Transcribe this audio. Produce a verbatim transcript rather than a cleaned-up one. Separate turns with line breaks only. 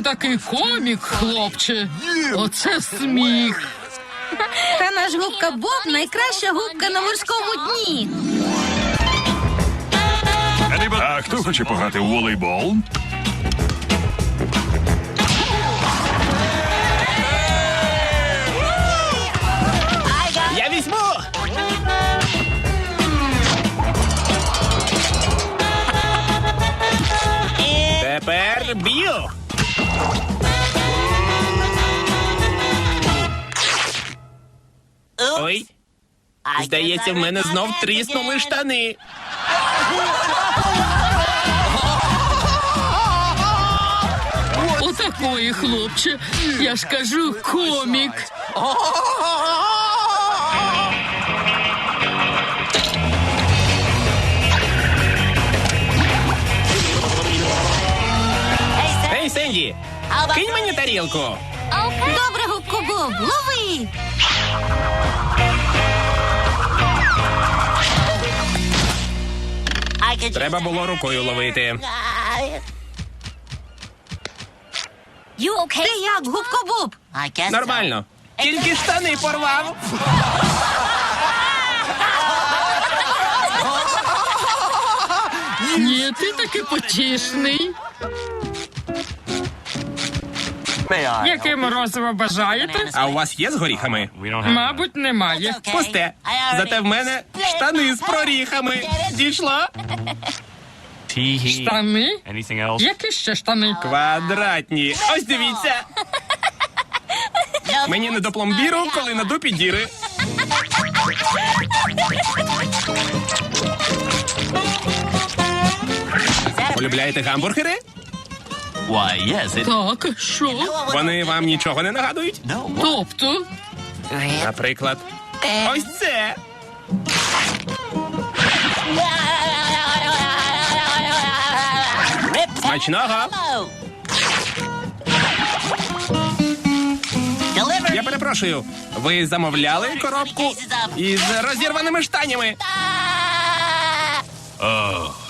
такий комік, хлопче. Оце сміх.
Та наш губка Боб найкраща губка на морському дні.
А хто хоче пограти у волейбол?
Я візьму! Тепер б'ю! Ой, здається, в мене знов тріснули штани.
Отакої, хлопче. Я ж кажу, комік.
Ей, Сенді, кинь мені тарілку.
Добре, губко Боб, лови.
Треба було рукою ловити.
Ти як, губко Боб?
Нормально. Тільки штани порвав.
Ні, ти таки потішний. Яке морозиво бажаєте?
А у вас є з горіхами?
Мабуть, немає.
Пусте. Зате в мене штани з проріхами. Дійшло?
Штани? Які ще штани?
Квадратні. Ось дивіться. Мені не до пломбіру, коли на дупі діри. Полюбляєте гамбургери?
Так, що?
Вони вам нічого не нагадують?
Тобто?
Наприклад, ось це. Смачного. Я перепрошую, ви замовляли коробку із розірваними штанями?
Ах.